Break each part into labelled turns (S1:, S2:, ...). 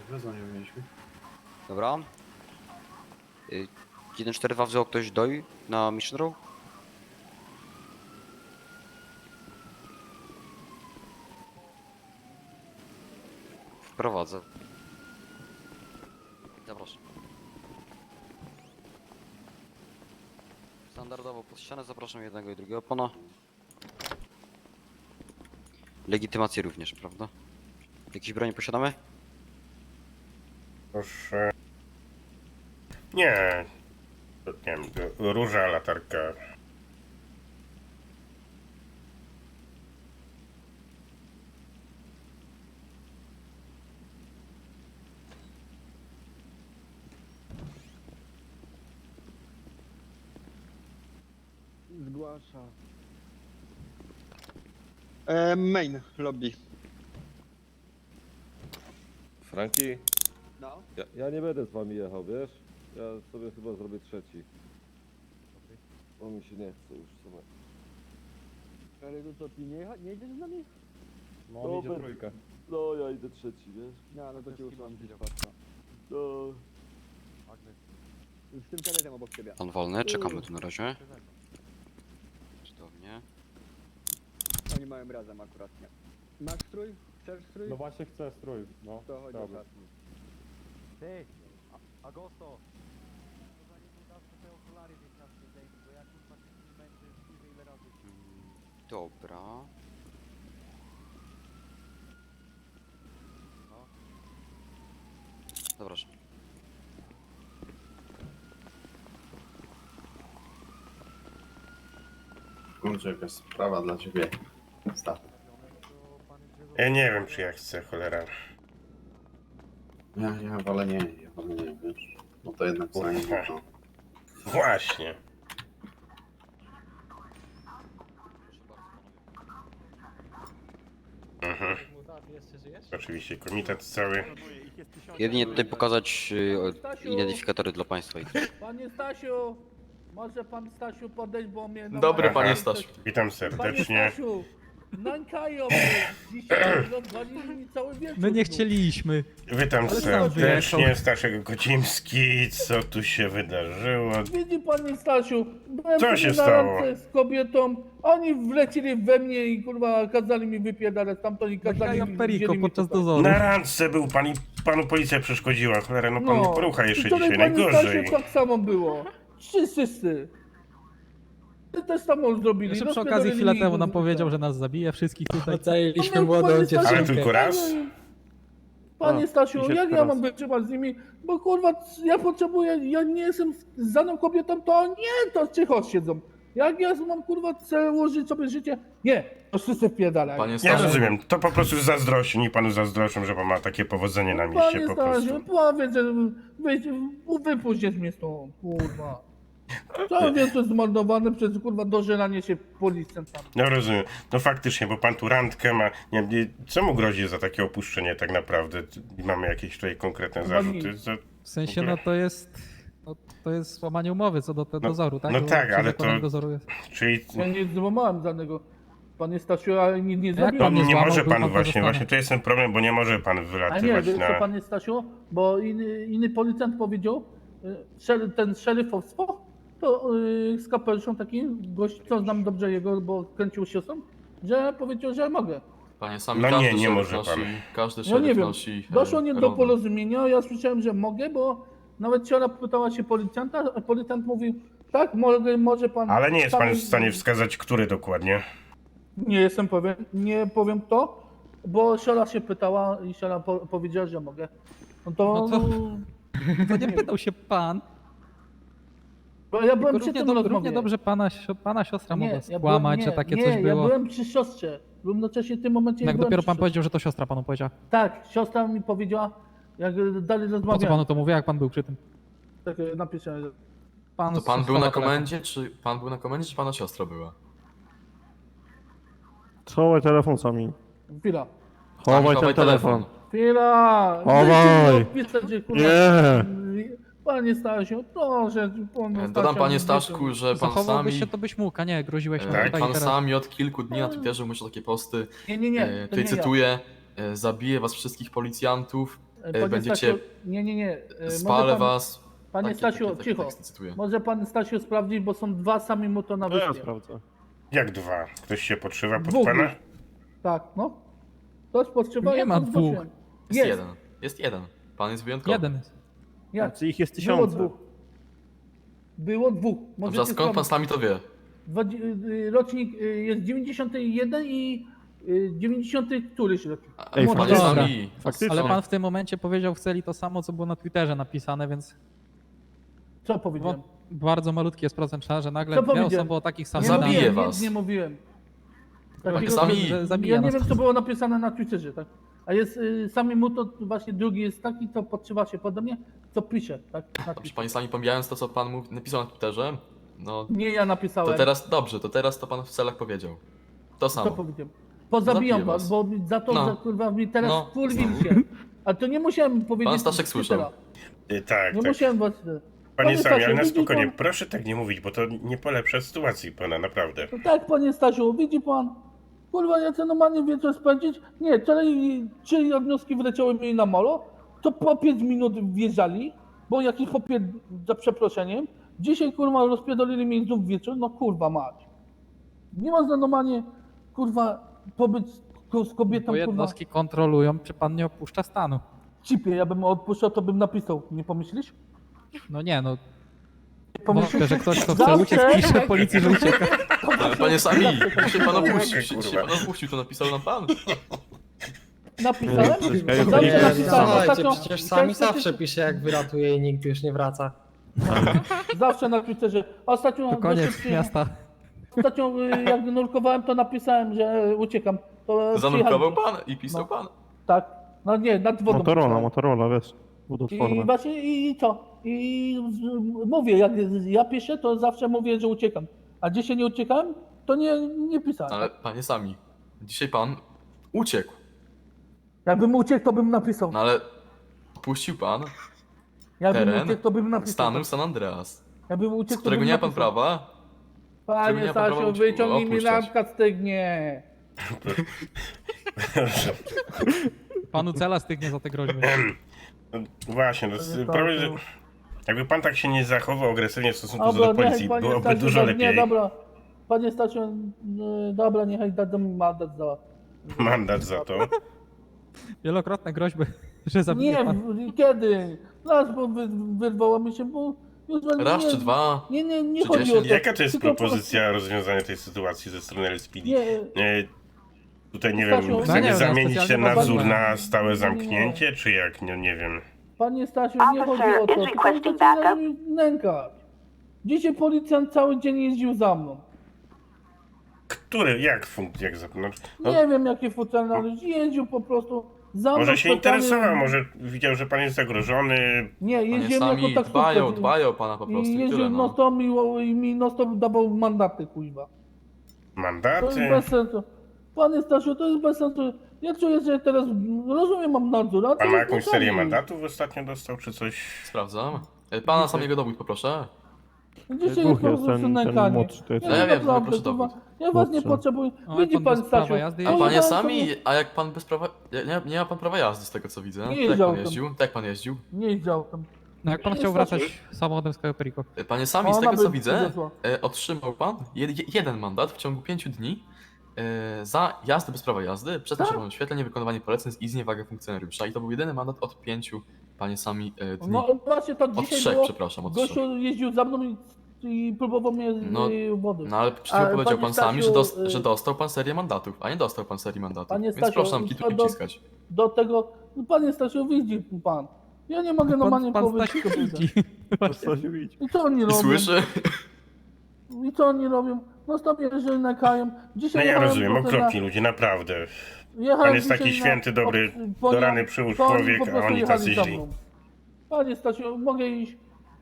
S1: Wezwanie mieliśmy.
S2: Dobra. 1-4-2 wziął ktoś doj na Mission Row? Wprowadzę. Zapraszam. Standardowo pod ścianę zapraszam jednego i drugiego pana. Legitymację również, prawda? Jakieś broni posiadamy?
S3: Proszę. Nie. Nie wiem, róża, latarka.
S4: Zgłasza. Main lobby.
S5: Franki,
S4: No.
S5: ja nie będę z wami jechał, wiesz? Ja sobie chyba zrobię trzeci. Bo mi się nie chce już w sumie.
S4: Ale to co, ty nie jedziesz z nami?
S5: No, on idzie trójkę. No, ja idę trzeci, wiesz?
S4: No to cię usłyszałem gdzieś
S5: No.
S4: z tym kadetem obok ciebie.
S2: Pan wolny, czekamy tu na razie. Cudownie.
S4: Oni mają razem akurat, nie. Masz strój? Chcesz strój?
S6: No właśnie chcę strój, no.
S4: To chodź do
S6: Dobra.
S4: szatni.
S7: Ty, Agosto! Zanim udawmy te okulary gdzieś na zdjęciu, bo ja kurwa się z nim męczę już nie wiem ile razy.
S2: Dobra.
S7: No.
S2: Zapraszam.
S1: Kurczę, jakaś sprawa dla ciebie. Staw.
S3: Ja nie wiem, czy ja chcę, cholera.
S1: Ja wolę nie, wiesz. No to jednak sami no.
S3: Właśnie. Mhm. Oczywiście komitet cały.
S2: Jedynie tutaj pokazać identyfikatory dla państwa.
S8: Panie Stasiu, może pan Stasiu podejść, bo mnie...
S9: Dobry,
S3: panie
S9: Stasiu.
S3: Witam
S8: Panie
S3: serdecznie.
S8: Stasiu, nękają mnie. Dzisiaj rozwalili mi cały wieczór.
S10: My nie
S8: tu.
S10: chcieliśmy.
S3: Witam
S10: Ale sam
S3: serdecznie.
S10: wyjechał.
S3: Staszek Kocimski. Co tu się wydarzyło?
S8: Widzi panie Stasiu, byłem
S3: Co
S8: sobie
S3: się
S8: na
S3: stało?
S8: randce z kobietą, oni wlecili we mnie i kurwa kazali mi wypierdalać stamtąd i kazali
S10: Nakają
S8: mi...
S10: Periko
S8: wzięli mi
S10: podczas
S8: tutaj.
S10: dozoru.
S3: Na randce był pan i panu policja przeszkodziła. Cholera, no pan nie porucha jeszcze
S8: I wczoraj,
S3: dzisiaj.
S8: panie
S3: Najgorzej.
S8: Stasiu, tak samo było. Wszyscy. Ty też samo zrobili.
S10: Jeszcze
S8: no,
S10: przy okazji chwilę
S8: spierdolili
S10: temu
S8: mi
S10: nam
S8: z
S10: powiedział, że nas zabije wszystkich tutaj.
S4: Ocaliliśmy
S8: No,
S4: młodą
S8: panie Stasiu,
S3: Ale
S4: dziewczynkę.
S3: tylko raz?
S8: Panie Stasiu,
S6: dzisiaj
S8: jak ja
S6: teraz.
S8: mam wytrzymać z nimi? Bo kurwa, ja potrzebuję, ja nie jestem z daną kobietą, to nie, to cicho siedzą. Jak ja mam kurwa chcę ułożyć sobie życie? Nie, to wszyscy wpierdalają.
S9: Panie
S3: Ja
S9: Stasiu,
S3: rozumiem. To po prostu zazdrości. Nie panu zazdroszczą, że pan ma takie powodzenie na mieście
S8: Panie
S3: po
S8: Stasiu,
S3: prostu.
S8: powiedz, że wypuśćcie mnie stąd, kurwa. Cały wieczór zmarnowany przez kurwa dożeranie się policjantami.
S3: No rozumiem. No faktycznie, bo pan tu randkę ma. Nie, co mu grozi za takie opuszczenie tak naprawdę? Mamy jakieś tutaj konkretne
S8: Chyba
S3: zarzuty?
S8: nic.
S10: W sensie, no to jest złamanie umowy co do dozoru, tak?
S3: no
S10: Bo
S3: tak,
S10: przy
S3: ale
S10: wykonaniu
S3: to-
S10: dozoru jest.
S3: Czyli
S8: Ja nie złamałem żadnego. Panie Stasiu, ale nic nie
S10: Jak
S8: zrobiłem.
S10: pan
S3: nie
S10: złamał,
S3: może
S10: był
S3: pan
S10: pan
S3: właśnie,
S10: pozostany.
S3: to jest ten problem, bo nie może pan
S8: A nie,
S3: wylatywać
S8: wiesz co
S3: na...
S8: panie Stasiu, bo inny policjant powiedział, ten szeryfowstwo, to z kapeluszą taki gość, co znam dobrze jego, bo kręcił się sam, że powiedział, że mogę.
S9: panie sami
S3: No
S9: każdy
S3: nie
S9: szeryf
S3: może
S9: nosi,
S3: pan.
S9: każdy
S8: No
S9: szeryf
S8: nie wiem,
S9: nosi
S8: doszło nie do
S9: hełm.
S8: porozumienia, ja słyszałem, że mogę, bo nawet Ciora pytała się policjanta, a policjant mówił, tak, może pan...
S3: Ale nie jest pan w
S8: sami-
S3: stanie wskazać, który dokładnie.
S8: Nie jestem pewien, nie powiem kto, bo Siora się pytała i Siora powiedziała, że mogę. No to...
S10: No to nie pytał się pan.
S8: Bo ja byłem
S10: Tylko
S8: przy
S10: równie,
S8: tym
S10: równie
S8: rozmowie.
S10: dobrze pana siostra mogła
S8: ja
S10: skłamać,
S8: byłem,
S10: że takie
S8: nie,
S10: coś
S8: ja
S10: było.
S8: byłem przy siostrze. Równocześnie w tym momencie
S10: Jak
S8: byłem
S10: dopiero
S8: przy
S10: pan
S8: siostrze.
S10: powiedział, że to siostra panu powiedziała.
S8: Tak, siostra mi powiedziała, jak dalej
S10: Po co
S8: rozmawiałem.
S10: panu to mówię, jak pan był przy tym?
S8: Tak napisałem, że...
S9: To pan był
S10: schował
S9: na
S10: telefon.
S9: komendzie, czy pana siostra była?
S6: Schowaj telefon sami.
S8: Chwila.
S6: Chowaj
S9: Chowaj
S6: ten telefon.
S8: Chwila!
S6: Chowaj!
S8: Dajcie mi odpisać, że, kurwa,
S6: Nie!
S8: Panie Stasiu, proszę,
S9: Dodam panie Staszku, że pan
S10: Zachowałbyś
S9: sami,
S10: się, to byś mógł, a nie, groziłeś mi
S3: Tak,
S10: tutaj i
S9: pan
S10: teraz.
S9: sami od kilku dni na Twitterze umieszcza takie posty.
S8: Nie, to
S9: Tutaj
S8: nie
S9: cytuję, zabiję was wszystkich policjantów.
S8: Panie
S9: będziecie-
S8: Stasiu, nie.
S9: Spalę was.
S8: Panie Stasiu, cicho.
S9: Tekst cytuję.
S8: Może pan Stasiu sprawdzić, bo są dwa sami mu to na
S6: To ja
S8: wyspie.
S6: sprawdzę.
S3: Jak dwa? Ktoś się podszywa pod
S8: Dwóch
S3: pana?
S8: już. Tak, no. Ktoś potrzeba,
S10: Nie
S8: ja
S10: ma
S8: to
S10: dwóch.
S8: zgłosiłem.
S9: Jest jeden. Jest jeden. Pan jest wyjątkowy.
S10: Jeden jest.
S8: Jak?
S6: Znaczy ich jest
S8: Było
S6: tysiące.
S8: dwóch. Było dwóch.
S9: Dobrze, a
S8: Możecie
S9: skąd pan
S8: sprawdzić.
S9: sami to wie?
S8: Rocznik jest 91 i 90 któryś rocznik.
S6: Ej,
S9: Panie
S10: faktycznie.
S9: sami.
S6: Faktycznie.
S10: Ale pan w tym momencie powiedział w celi to samo, co było na Twitterze napisane, więc
S8: Co powiedziałem?
S10: bardzo malutki jest procent szans, że nagle
S8: Co
S10: dwie
S8: powiedziałem?
S10: osoby o takich
S8: Nie
S10: samych
S9: Zabiję
S8: mówiłem,
S9: was.
S8: nic nie mówiłem.
S9: Panie sami.
S10: że zabija
S8: Ja nie
S10: nas.
S8: wiem, co było napisane na Twitterze, tak? A jest sami mu to właśnie drugi jest taki, co podszywa się pode mnie, co pisze, tak? Na
S9: Dobrze,
S8: Twitterze.
S9: panie sami, pomijając to, co pan napisał na Twitterze, no
S8: Nie ja napisałem.
S9: to teraz dobrze, to teraz to pan w celach powiedział. To
S8: Co
S9: samo.
S8: powiedziałem? Pozabijam
S9: Zabiję
S8: was,
S9: was.
S8: bo za to,
S9: No.
S8: że kurwa mi teraz
S9: No.
S8: wkurwiliście. A to nie musiałem powiedzieć.
S9: Pan Staszek
S8: z
S9: słyszał.
S8: Twittera.
S3: Tak,
S8: Nie
S3: tak.
S8: musiałem was.
S3: Panie Sami, ale
S8: Stasiu,
S3: na
S8: widzi
S3: spokojnie,
S8: pan-
S3: proszę tak nie mówić, bo to nie polepsza sytuacji pana, naprawdę.
S8: No tak, panie Stasiu, widzi pan? Kurwa, ja chcę normalnie wieczór spędzić. Nie, wczoraj 3 odnoski wleciały mi na molo, to po 5 minut wjeżdżali, bo jakiś popier... za przeproszeniem. Dzisiaj kurwa rozpierdolili mi znów wieczór, no kurwa mać. Nie można normalnie, kurwa, pobyć z kobietą,
S10: Bo
S8: kurwa,
S10: jednostki kontrolują, czy pan nie opuszcza stanu.
S8: w chipie. Ja bym odpuszczał, to bym napisał. Nie pomyślisz?
S10: No nie, no
S8: Nie pomyślisz?
S10: wątpię, że ktoś, kto chce
S8: Zawsze-
S10: uciec, pisze policji, że ucieka.
S9: Ale panie sami,
S8: Zawsze-
S9: się pan opuścił,
S3: Kurwa.
S9: się pan opuścił, to napisał nam pan.
S8: Napisałem?
S6: Nie,
S8: Zawsze
S6: nie,
S8: napisałem.
S11: Słuchajcie,
S8: Ostatnio-
S11: przecież sami
S8: ostatnio-
S11: zawsze pisze, jak wyratuje i nigdy już nie wraca.
S8: Zawsze na Twitterze. Ostatnio,
S10: To koniec
S8: gościu-
S10: miasta.
S8: ostatnio jak nurkowałem, to napisałem, że uciekam. To
S9: Zanurkował
S8: przyjechali-
S9: pan i pisał
S8: No.
S9: pan.
S8: Tak. No nie, nad wodą.
S6: Motorola, wiesz.
S8: I
S6: Wodoodporne.
S8: właśnie i co? Mówię, jak ja piszę, to zawsze mówię, że uciekam. A dzisiaj nie uciekałem, to nie pisałem.
S9: Ale panie sami, dzisiaj pan uciekł.
S8: Jakbym uciekł, to bym napisał.
S9: No ale opuścił pan
S8: Jakbym
S9: teren
S8: uciekł, to bym napisał.
S9: stanu San Andreas,
S8: Jakbym
S9: z
S8: uciekł,
S9: którego
S8: to bym
S9: nie ma pan
S8: napisał.
S9: prawa. którego
S8: Panie
S9: nie ma pan prawa
S8: Stasiu, wyciągnij mi
S9: opuszczać.
S8: lampka stygnie.
S3: Proszę.
S10: Panu cela stygnie za te groźby.
S3: No, właśnie, no,
S8: Panie
S3: problem, że
S8: Stasiu.
S3: jakby pan tak się nie zachował agresywnie w stosunku
S8: Dobra,
S3: do policji,
S8: niechaj panie
S3: byłoby
S8: Stasiu,
S3: dużo
S8: Nie,
S3: lepiej.
S8: dobra. Panie Stasiu, dobra, niechaj dadzą mi mandat za...
S3: Mandat za to.
S10: Wielokrotne groźby, że zabije
S8: Nie,
S10: pan.
S8: kiedy? Raz, bo wyrwało mi się, bo... Już
S9: Raz czy dwa.
S8: Nie
S9: czy
S8: chodzi o
S9: 10?
S8: to.
S3: Jaka to jest
S8: Tylko
S3: propozycja rozwiązania tej sytuacji ze strony LSPD?
S8: Nie,
S3: Tutaj nie
S8: Stasiu,
S3: wiem,
S8: no
S3: chcemy
S10: nie wiem,
S3: zamienić ten
S10: specjalnie
S3: nadzór
S10: badania.
S3: na stałe zamknięcie, czy jak? Nie wiem.
S8: panie Stasiu, nie chodzi o to. Tylko chcecie mi nękać. Dzisiaj policjant cały dzień jeździł za mną.
S3: Który? Jak zapomnieć? No,
S8: Nie wiem, jakie funkcjonalności. Jeździł po prostu za mną.
S3: może się
S8: specjalnie-
S3: interesował, może widział, że pan jest zagrożony.
S8: Nie,
S9: Panie
S8: jeździłem
S9: sami
S8: jako taksówkarz.
S9: dbają o pana po prostu
S8: I
S9: i
S8: jeździł
S9: tyle, no.
S8: non-stop i mi non-stop dawał mandaty, kuźwa. To jest
S3: Mandaty?
S8: bez sensu. Panie Stasiu, to jest bez sensu. Ja czuję, że teraz rozumiem, mam nadzór, a co
S3: Pan ma
S8: jest
S3: jakąś
S8: czasami?
S3: serię mandatów ostatnio dostał, czy coś?
S9: Sprawdzam. Pana samego dowód poproszę.
S8: Dzisiaj
S6: Dwóch
S8: jest po
S6: jest,
S8: prostu
S6: ten
S8: nękanie.
S6: młodszy to jest.
S8: Ja
S9: No ja wiem,
S8: naprawdę,
S9: proszę
S8: kurwa,
S9: dowód.
S8: ja was nie
S6: Młodszy.
S8: potrzebuję.
S10: O,
S8: Widzi
S10: pan
S8: pan,
S10: bez prawa
S8: Stasiu.
S10: jazdy
S9: A
S10: jeździ?
S9: panie
S8: pojechałem
S9: sami,
S8: sobie-
S9: a jak pan bez prawa... Nie ma pan prawa jazdy z tego co widzę.
S8: Nie
S9: Tak jak
S8: jeździł
S9: pan
S8: tam.
S9: jeździł? Tak jak pan jeździł?
S8: Nie jeździł tam.
S10: No jak pan chciał wracać samochodem z Cayo Perico?
S9: Panie sami, z
S8: Ona
S9: tego co
S8: by
S9: widzę,
S8: przywiozła.
S9: otrzymał pan jeden mandat w ciągu 5 dni za jazdę bez prawa jazdy, przez czerwonym świetle, niewykonywanie poleceń i zniewagę funkcjonariusza. I to był jedyny mandat od 5, panie sami, dni.
S8: No właśnie tak
S9: Od
S8: dzisiaj
S9: 3,
S8: było.
S9: przepraszam, od 3.
S8: Gościu jeździł za mną i próbował mnie
S9: No,
S8: wody.
S9: No ale przed chwilą
S8: Ale
S9: powiedział
S8: panie
S9: pan sami,
S8: Stasiu,
S9: że dostał pan serię mandatów, a nie dostał pan serii mandatów.
S8: Panie
S9: Więc
S8: Stasiu,
S9: proszę nam kitu
S8: to
S9: nie
S8: do-
S9: wciskać.
S8: Do tego, no panie Stasiu, widzi pan. Ja nie mogę normalnie
S10: Pan
S8: powiedzieć.
S10: Stasiu
S8: kobietę.
S10: widzi.
S6: Stasiu, idź.
S8: I co oni
S9: I
S8: robią?
S9: słyszy?
S8: I co oni robią? No stop jeżeli nakają. Dzisiaj
S3: No ja
S8: jechałem
S3: rozumiem,
S8: po prostu
S3: okropni ludzie, naprawdę.
S8: jechałem
S3: Pan jest taki
S8: dzisiaj
S3: święty, dobry,
S8: po-
S3: do rany przyłóż
S8: to oni
S3: człowiek,
S8: po
S3: a
S8: prostu
S3: oni
S8: jechali
S3: tacy
S8: za
S3: źli.
S8: mną. Panie Stasiu, mogę iść?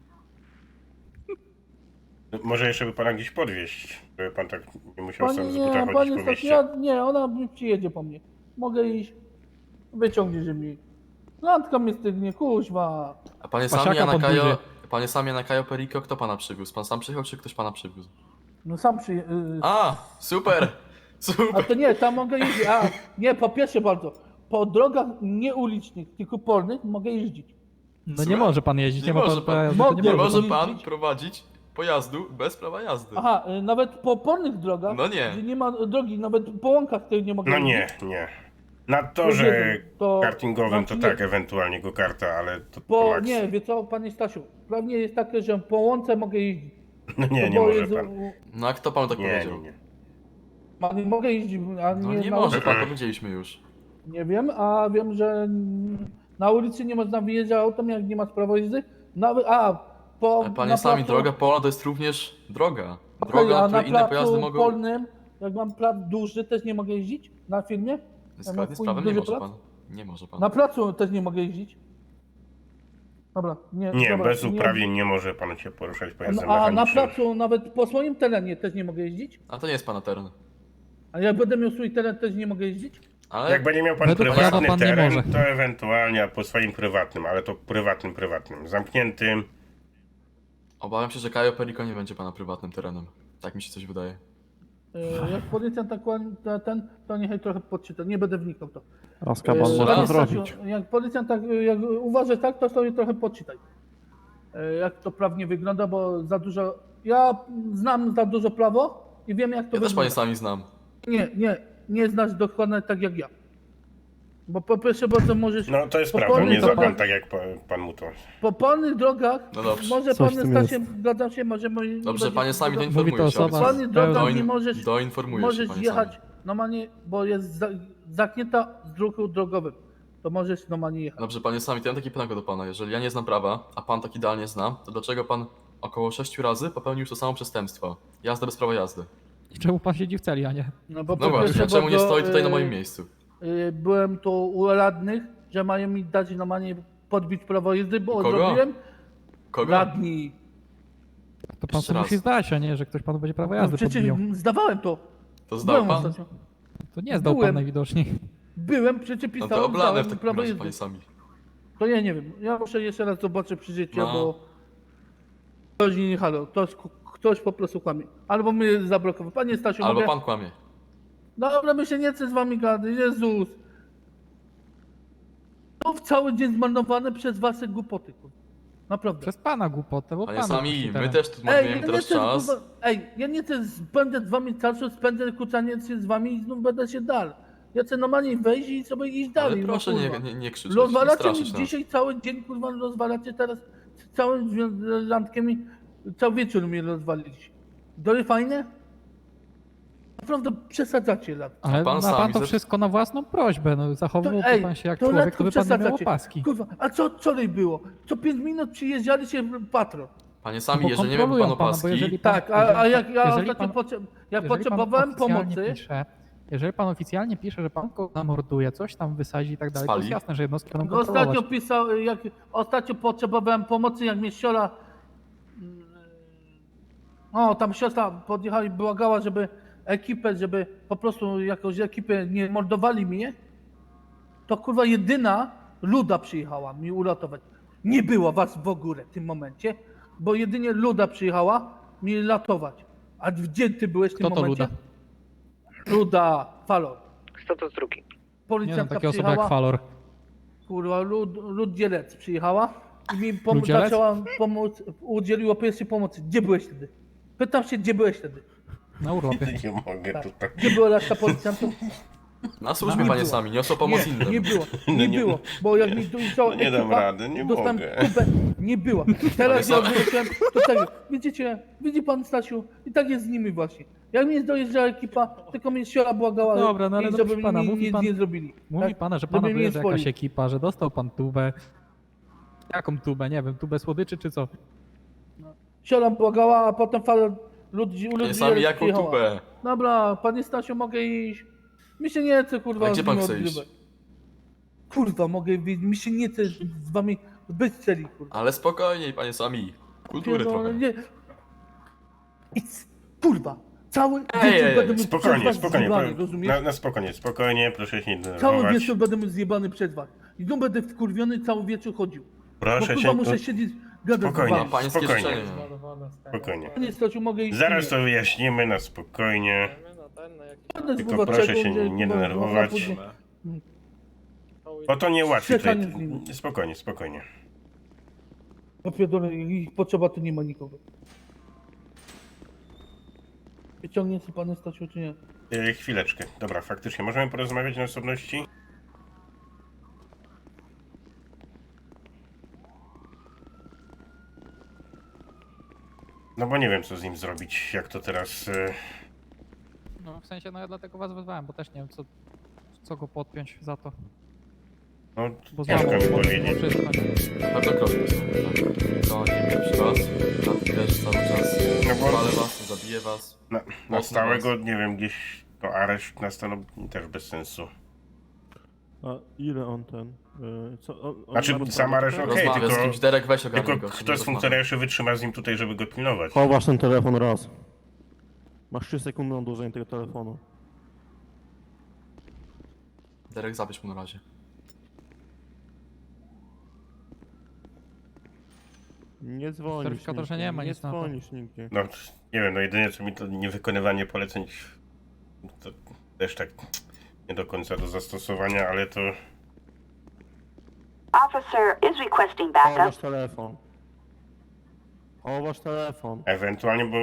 S3: Może jeszcze by pana gdzieś podwieźć, żeby pan tak nie musiał
S8: Panie
S3: sam z buta
S8: nie,
S3: chodzić
S8: panie
S3: po
S8: Stasiu,
S3: mieście.
S8: nie, ona przyjedzie po mnie. Mogę iść? Wyciągniesz mi. Randka mnie stygnie, kuźwa.
S9: A panie
S10: Pasiaka
S9: sami, a na
S10: pod
S9: Kajo,
S10: buzię.
S9: panie sami, a na Kajo Perico kto pana przywiózł? Pan sam przyjechał, czy ktoś pana przywiózł?
S8: No sam przyje...
S9: A, super!
S8: A
S9: Super!
S8: to nie, tam mogę iść. A, nie, po pierwsze bardzo. po drogach nie ulicznych, tylko polnych mogę jeździć.
S10: No nie
S9: Słucham?
S10: może pan jeździć,
S9: Nie
S10: nie ma
S9: może
S10: pan
S9: pan.
S10: prawa jazdy,
S8: Mogę.
S10: to
S9: Nie
S10: nie
S9: może
S10: może.
S9: pan
S8: jeździć.
S9: prowadzić pojazdu bez prawa jazdy.
S8: Aha, nawet po polnych drogach,
S9: No nie.
S8: gdzie nie ma drogi, nawet po łąkach tych nie mogę
S3: No
S8: jeździć.
S3: nie. Na
S8: To
S3: torze
S8: jeden, to-
S3: kartingowym to
S8: znaczy
S3: tak,
S8: nie.
S3: ewentualnie go karta, ale to
S8: Po,
S3: maks.
S8: nie, wie co, panie Stasiu, prawnie jest takie, że po łące mogę jeździć.
S3: No nie,
S8: To
S3: nie
S8: bo
S3: może
S8: jest-
S3: pan.
S9: No a kto panu tak
S3: Nie,
S9: powiedział?
S3: nie.
S8: Nie mogę jeździć, a
S9: No
S8: nie,
S9: nie
S8: na
S9: może
S8: ulicy.
S9: pan, powiedzieliśmy już.
S8: Nie wiem, a wiem, że na ulicy nie można wyjeżdżać autem, jak nie ma prawa jezdy. Nawet, po
S9: Ale panie
S8: na
S9: sami,
S8: placu-
S9: droga polna to jest również droga.
S8: Okej,
S9: Droga,
S8: a
S9: na
S8: na
S9: której inne pojazdy
S8: placu
S9: mogą...
S8: polnym, jak mam plac duży, też nie mogę jeździć na firmie?
S9: Zgodnie z
S8: swój
S9: prawem nie
S8: duży
S9: może
S8: plac?
S9: pan. Nie może pan.
S8: Na placu też nie mogę jeździć. Dobra, nie.
S3: Nie,
S8: dobra,
S3: bez uprawnień nie może pan się poruszać pojazdem
S8: A na
S3: mechanicznym.
S8: placu, nawet po swoim terenie też nie mogę jeździć?
S9: A to nie jest pana teren.
S8: A jak będę miał swój teren, też nie mogę jeździć?
S9: Ale
S3: Jak będzie miał pan
S10: Według
S3: prywatny
S10: prawa pan nie
S3: teren,
S10: może.
S3: to ewentualnie a po swoim prywatnym, ale to prywatnym. Zamkniętym.
S9: obawiam się, że Kajo Perico nie będzie pana prywatnym terenem. Tak mi się coś wydaje.
S8: Jak policjant tak to niechaj trochę podczyta, nie będę wnikał w to.
S6: Azkaban
S9: Jeszcze
S6: może to
S9: raz.
S6: zrobić.
S8: Jak policjant tak, jak uważasz tak, to sobie trochę podczytaj. Jak to prawnie wygląda, bo za dużo... Ja znam za dużo prawo i wiem, jak to
S9: Ja też
S8: wygląda.
S9: panie sami znam.
S8: Nie znasz dokładnie tak jak ja. Bo po pierwsze bardzo możesz...
S3: No to jest
S8: Po
S3: prawda,
S8: polnych
S3: nie za pan
S8: drogach-
S3: tak jak pan mu to.
S8: Po polnych drogach,
S9: No dobrze.
S8: może
S6: Coś w
S8: pan
S6: tym
S8: Stasiu, zgadzam się, może... nie
S9: Dobrze,
S8: będzie-
S9: panie sami
S10: Mówi
S9: doinformuję
S10: to
S9: się.
S10: osoba-
S8: Po polnych drogach nie
S9: Doin-
S8: możesz...
S9: Doinformuję się,
S8: Możesz
S9: panie
S8: jechać
S9: sami.
S8: normalnie, bo jest zamknięta z ruchu drogowym. To możesz normalnie jechać.
S9: Dobrze, panie sami, to ja mam takie pytanie do pana. Jeżeli ja nie znam prawa, a pan tak idealnie zna, to dlaczego pan około 6 razy popełnił już to samo przestępstwo? Jazda bez prawa jazdy.
S10: I czemu pan siedzi w celi, a nie?
S8: No
S9: No właśnie, czemu nie stoi tutaj na moim miejscu?
S8: Byłem tu u radnych, że mają mi dać normalnie podbić prawo jezdy, bo
S9: Kogo?
S8: zrobiłem
S9: Kogo?
S8: radni.
S10: To pan
S9: Jeszcze
S10: sobie
S9: raz.
S10: musi zdać, a nie, że ktoś panu będzie prawo
S8: No
S10: jazdy
S8: przecież
S10: podbijał.
S8: zdawałem to.
S9: To zdał
S8: Byłem
S9: pan?
S8: ostatnio.
S10: To nie zdał pan
S8: byłem.
S10: najwidoczniej.
S8: Byłem, przecież
S9: No
S8: pisałem,
S9: to oblane w
S8: zdałem
S9: takim
S8: prawo
S9: razie,
S8: jezdy.
S9: panie sami.
S8: To ja nie wiem. Ja muszę jeszcze raz zobaczyć przy życiu,
S9: No.
S8: bo ktoś nie halo, ktoś po prostu kłamie. Albo mnie zablokował. Panie Stasiu,
S9: Albo
S8: mogę...
S9: pan kłamie.
S8: Dobra, my się nie chcę z wami gadać, Jezus. To cały dzień zmarnowany przez wasze głupoty, kurwa. Naprawdę.
S10: Przez pana głupotę, bo
S9: Panie
S10: pana
S9: sami,
S10: puści
S9: my
S10: teren.
S9: też tu
S8: Ej,
S9: marnujemy
S8: ja nie
S9: teraz
S8: chcę,
S9: czas.
S8: kurwa, ja nie chcę spędzać z wami czasu, spędzę kucanie się z wami i znów będę się dalej. Ja chcę normalnie wejść i sobie iść dalej.
S9: Ale proszę
S8: no,
S9: nie,
S8: kurwa.
S9: nie krzyczeć, nie
S8: Rozwalacie mi
S9: straszyć nas.
S8: dzisiaj cały dzień, kurwa, rozwalacie teraz całym landkiem i cały wieczór mnie rozwaliliście. Dory fajne? Naprawdę przesadzacie lat.
S10: Ale
S9: Pan
S10: ma
S9: sami
S10: pan to
S9: ze-
S10: wszystko na własną prośbę, no zachowałby
S8: ej,
S10: pan się jak
S8: to
S10: człowiek,
S8: lekko
S10: to by pan nie miał
S8: przesadzacie.
S10: opaski.
S8: Kurwa, a co wczoraj było? Co 5 minut przyjeżdżali się patrol.
S9: Panie sami,
S10: Bo
S9: jeżeli nie miałby pan
S10: kontrolują pana, bo
S9: opaski,
S10: jeżeli pan-
S8: Tak, a jak ja
S10: jeżeli
S8: ostatnio
S10: pan-
S8: jak
S10: Jeżeli pan
S8: potrzebowałem
S10: oficjalnie
S8: pomocy,
S10: jeżeli pan oficjalnie pisze, że pan kogoś zamorduje, coś tam wysadzi i tak dalej, to
S9: Spali.
S10: jest jasne, że jednostki będą
S8: ostatnio
S10: kontrolować.
S8: pisał, jak ostatnio potrzebowałem pomocy, jak mnie siostra, tam siostra podjechała i błagała, żeby po prostu jakąś ekipę nie mordowali mnie, to kurwa jedyna Luda przyjechała mi uratować. Nie było was w ogóle w tym momencie, bo jedynie Luda przyjechała mi ratować. A gdzie ty byłeś w tym
S10: Kto to
S8: momencie?
S10: Luda?
S8: Luda, Falor.
S11: Kto to drugi?
S10: Nie no,
S8: Policjantka
S10: takie osoby jak
S8: przyjechała.
S10: Falor.
S8: Kurwa, Lud Dzielec przyjechała i mi
S10: Ludzielec?
S8: zaczęła pomóc, udzieliła pierwszej pomocy. Gdzie byłeś wtedy? Pytam się, gdzie byłeś wtedy?
S10: Na urlopie.
S3: Nie mogę
S8: Tak.
S3: tutaj.
S8: Gdzie była reszta policjantów?
S9: na służbie,
S8: Nie
S9: panie
S8: było.
S9: sami, niosą pomoc
S8: Nie
S9: innym.
S8: było,
S3: No
S8: nie
S3: nie-
S8: było, bo jak mi tu cała
S3: nie dam
S8: ekipa,
S3: rady, nie
S8: dostałem
S3: mogę.
S8: kupę, nie była. Teraz
S9: Ale
S8: ja wróciłem, to tak, widzi pan Stasiu, i tak jest z nimi właśnie. Jak mi dojeżdżała ekipa, tylko mnie siora błagała,
S10: Dobra, no ale
S8: i
S10: dobrze
S8: żeby
S10: pana,
S8: mi
S10: mówi
S8: nic
S10: pan-
S8: nie zrobili.
S10: Mówi
S8: Tak?
S10: pana, że
S8: Żeby
S10: pana
S8: mnie nie
S10: dojeżdża jakaś
S8: zwolnili.
S10: ekipa, że dostał pan tubę. Jaką tubę? Nie wiem, tubę słodyczy czy co?
S8: Siora błagała, a potem fala ludzi
S9: Panie sami, jaką
S8: przyjechała.
S9: tubę?
S8: Dobra, panie Stasiu, mogę iść. Mi się nie chce, kurwa,
S9: A gdzie
S8: z
S9: pan
S8: nim
S9: chce iść?
S8: odgrywać. Kurwa, mogę iść, mi się nie chce z wami być w celi, kurwa.
S9: Ale spokojniej, panie sami. Kultury
S8: Pierdolę,
S9: trochę.
S8: nie. Kurwa, cały
S9: Ej,
S8: wieczór
S9: ej,
S8: będę mu
S3: Spokojnie,
S8: przez was
S3: spokojnie.
S8: zjebany, rozumiesz?
S3: Na spokojnie, spokojnie, proszę się nie
S8: Cały
S3: denerwować.
S8: wieczór będę mu zjebany przez was. I tu będę wkurwiony, cały wieczór chodził. Bo
S3: Proszę
S8: kurwa
S3: się.
S8: muszę siedzieć, gadać
S3: Spokojnie.
S8: z
S9: Ma
S8: wami.
S9: pańskie
S3: Spokojnie.
S9: życzenie.
S3: Spokojnie.
S8: Panie Stasiu, mogę iść?
S3: Zaraz to wyjaśnimy na spokojnie.
S8: Będę
S3: Tylko
S8: zgrywać
S3: proszę
S8: czego,
S3: się
S8: gdzie,
S3: nie
S8: kurwa,
S3: denerwować.
S8: później-
S3: Bo to nie ułatwi tutaj.
S8: Ściekanie z nimi.
S3: Spokojnie, spokojnie.
S8: Ja pierdolę, ich potrzeba, tu nie ma nikogo. Wyciągnie się pan Stasiu, czy nie?
S3: Chwileczkę. Dobra, faktycznie. Możemy porozmawiać na osobności? No bo nie wiem, co z nim zrobić. Jak to teraz...
S10: No w sensie, no ja dlatego was wezwałem, bo też nie wiem co go podpiąć za to.
S3: No,
S10: Bo
S3: ciężko mi
S10: znowu
S3: powiedzieć.
S10: wszystko, nie?
S9: Bardzo krotki są, tak. To nie pierwszy raz. Lat też cały czas.
S3: No bo-
S9: Zwalę was, zabiję was.
S3: Na
S9: Mocno
S3: stałego, nie wiem, gdzieś to areszt nastanowi też bez sensu.
S6: A ile on ten? On
S3: Znaczy,
S6: ma
S3: sam areszt
S6: tutaj?
S3: okej,
S9: Rozmawiam z
S3: tylko-
S9: kimś, Derek weź ogarnij
S3: Tylko
S9: go.
S3: kto z funkcjonariuszy wytrzyma z nim tutaj, żeby go pilnować?
S6: Chowasz ten telefon raz. Masz 3 sekundy na odłożenie tego telefonu.
S9: Derek, zabierz mu na razie.
S6: Nie dzwonisz
S10: Weryfikatorze
S6: nigdzie,
S10: nie ma
S6: nie
S10: nic na to.
S6: dzwonisz nigdzie.
S3: No, nie wiem, no jedynie co mi to niewykonywanie poleceń to też tak nie do końca do zastosowania, ale to...
S12: Officer is requesting backup.
S6: Chowasz telefon. Chowasz telefon.
S3: Ewentualnie, bo...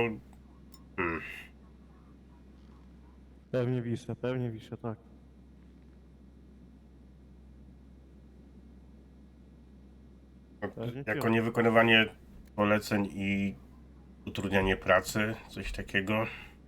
S6: Pewnie wiszę, tak. Pewnie
S3: Jako
S6: piąty.
S3: niewykonywanie poleceń i utrudnianie pracy, coś takiego.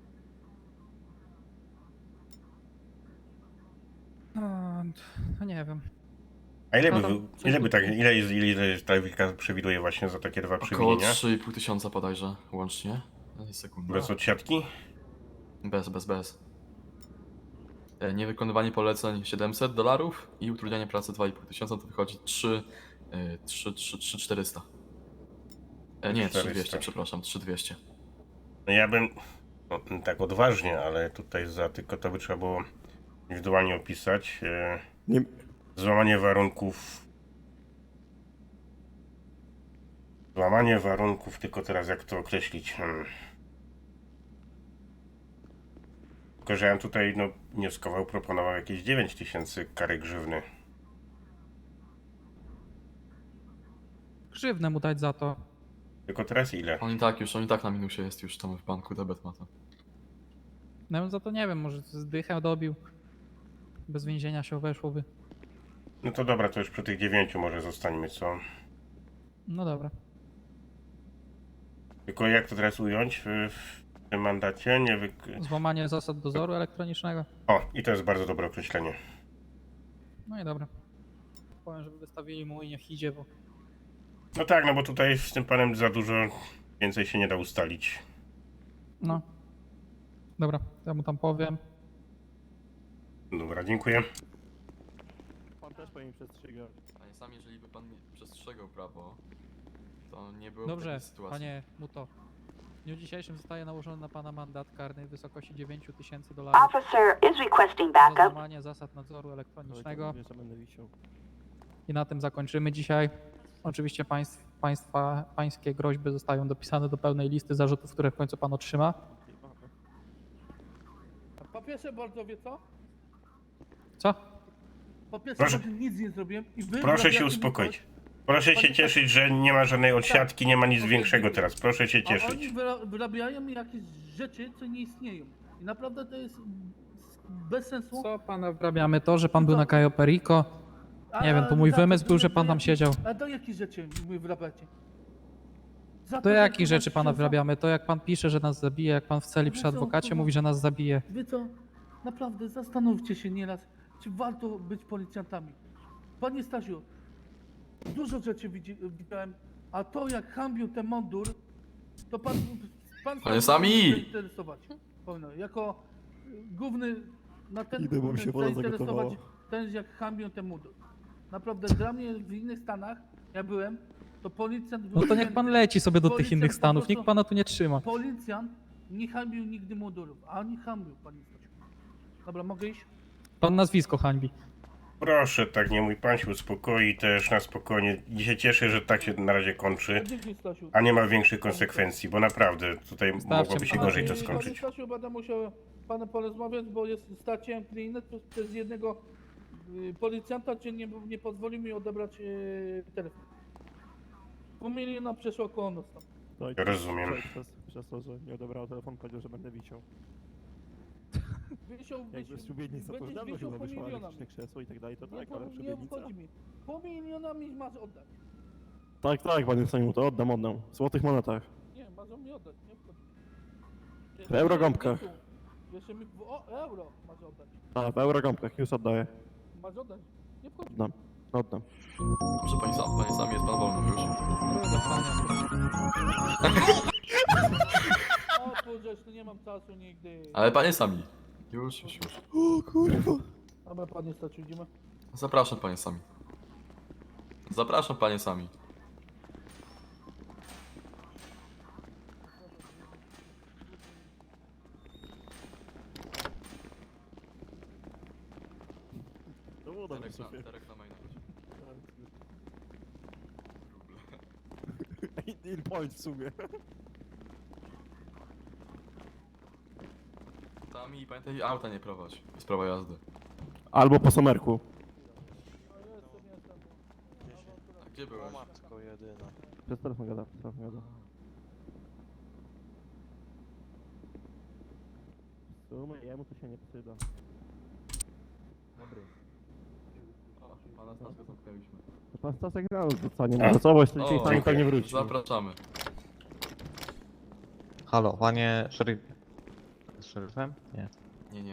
S10: No nie wiem.
S3: A ile
S10: No
S3: by,
S10: to
S3: wy-
S10: coś
S3: ile by
S10: tu-
S3: tak, ile jest ta weryfikacja przewiduje właśnie za takie dwa
S9: Około
S3: przewinienia?
S9: 3,5 tysiąca bodajże łącznie. Sekunda.
S3: Bez odsiadki?
S9: Bez. Niewykonywanie poleceń $700 i utrudnianie pracy 2,5 tysiąca to wychodzi 3,400. Nie, 3,200, przepraszam, 3,200.
S3: No ja bym, no, tak odważnie, ale tutaj tylko to by trzeba było indywidualnie opisać.
S6: Nie,
S3: Złamanie warunków. Złamanie warunków, tylko teraz jak to określić? Tylko, że ja bym tutaj no, wnioskował, proponował jakieś 9000 kary grzywny.
S10: Grzywnę mu dać za to.
S3: Tylko teraz ile?
S9: On i tak na minusie jest już tam w banku, debet ma to.
S10: No ja bym za to nie wiem, może zdychę dobił. Bez więzienia się obeszłoby.
S3: No to dobra, to już przy tych 9 może zostańmy, co?
S10: No dobra.
S3: Tylko jak to teraz ująć w tym mandacie?
S10: Złamanie zasad dozoru elektronicznego.
S3: O, i to jest bardzo dobre określenie.
S10: No i dobra. Powiem, żeby wystawili mu i niech idzie, bo
S3: No tak, no bo tutaj z tym panem za dużo więcej się nie da ustalić.
S10: no. Dobra, ja mu tam powiem.
S3: Dobra, dziękuję.
S6: pan też powinien przestrzegać.
S9: Panie sam, jeżeli by pan przestrzegał prawo, to nie byłoby
S10: Dobrze,
S9: takiej sytuacji.
S10: panie Muto. W dniu dzisiejszym zostaje nałożony na pana mandat karny w wysokości $9000
S12: Officer is requesting
S10: za
S12: backup.
S10: złamanie zasad nadzoru elektronicznego.
S6: Mówię, że będę wisiał.
S10: I na tym zakończymy dzisiaj. Oczywiście pańskie groźby zostają dopisane do pełnej listy zarzutów, które w końcu pan otrzyma.
S8: Po pierwsze bardzo wie co?
S10: Co?
S8: Po pierwsze
S3: Proszę-
S8: bardzo nic nie zrobiłem i wy
S3: Proszę się
S8: wrabiacie mi
S3: uspokoić.
S8: coś,
S3: Proszę się
S8: Panie
S3: cieszyć, że nie ma żadnej odsiadki, nie ma nic
S8: Okej,
S3: większego
S8: dziękuję.
S3: teraz. Proszę się
S8: a oni
S3: cieszyć.
S8: wyrabiają mi jakieś rzeczy, co nie istnieją. I naprawdę to jest bez sensu.
S10: Co pana wrabiamy? To, że pan był na Cayo Perico. Nie wiem, to
S8: A
S10: mój
S8: za
S10: wymysł
S8: to,
S10: był, że pan tam
S8: jakich-
S10: siedział.
S8: A do jakich rzeczy mi wyrabiacie? Za
S10: Do
S8: to, że
S10: jakich
S8: kurwa
S10: rzeczy pana
S8: książę-
S10: wrabiamy? To jak pan pisze, że nas zabije, jak pan w celi przy
S8: No co,
S10: adwokacie
S8: kurwa?
S10: mówi, że nas zabije.
S8: Wy co? Naprawdę zastanówcie się nieraz, czy warto być policjantami. Panie Stasiu, dużo rzeczy widziałem, a to jak hambił ten mundur, to pan
S9: Panie
S8: sam
S9: Sami!
S8: powinien się zainteresować. Powinno, jako główny na ten
S6: Idę, bo mi się woda
S8: zainteresować
S6: zagotowała.
S8: ten jak hambił ten mundur. Naprawdę dla mnie w innych stanach, ja byłem, to policjant był...
S10: No to niech pan leci sobie do tych
S8: Policjant
S10: innych
S8: po
S10: stanów,
S8: prostu-
S10: nikt pana tu nie trzyma.
S8: Policjant nie hambił nigdy mundurów, a oni hambił, panie Stasiu. Dobra, mogę iść?
S10: Pan nazwisko hańbi.
S3: Proszę, tak nie mój pan się uspokoi też na spokojnie. I się cieszę, że tak się na razie kończy,
S8: Dzięki, Stasiu.
S3: a nie ma większych konsekwencji, bo naprawdę tutaj mogłoby się
S10: pana.
S3: gorzej to
S8: Panie
S3: skończyć.
S8: Stasiu, będę musiał z panem porozmawiać, bo jest stacją klientów przez jednego Policjanta cię nie pozwolił mi odebrać telefon. Pół miliona przeszło koło nos tam.
S6: No i
S3: Rozumiem.
S6: Przez to, że nie odebrał telefon, powiedział, że będę wisiał. Jakby z szubienica, to już dawno
S8: wisiał
S6: chyba
S8: pół
S6: wyszło
S8: miliona.
S6: elektryczne krzesło i tak dalej, to
S8: Nie,
S6: tak, ale
S8: nie
S6: szubienica.
S8: obchodzi mi. Pół miliona mi masz oddać.
S6: Tak, panie Sejmu, to oddam. W złotych monetach.
S8: Nie, masz mi oddać, nie obchodzi mnie.
S6: W eurogąbkach.
S8: Jeszcze mi euro masz oddać.
S6: Tak, w eurogąbkach, już oddaję.
S8: Masz oddać. Nie obchodzi.
S6: Oddam.
S9: Dobrze, panie Sami, jest pan wolny już.
S8: O kurczę, tu nie mam czasu nigdy.
S9: Ale panie Sami. Już.
S6: O kurwa.
S8: Dobra, panie Staczu, idziemy.
S9: Zapraszam, panie Sami. Zapraszam, panie Sami.
S6: To było dobre, szefie.
S9: Terek na maina.
S6: Deal point w sumie.
S9: Sami, pamiętaj, auta nie prowadź. Jest prawo jazdy.
S6: Albo po somerku.
S9: A gdzie byłeś?
S6: Przez telefon gada, W sumie jemu to się nie przyda.
S9: Pana Staska zamknęliśmy.
S6: To pan Stasek rano zostanie na pracować, to dzisiaj sami pewnie wróci.
S9: Zapraszamy.
S7: Halo, panie szeryf... Szeryfem? Nie.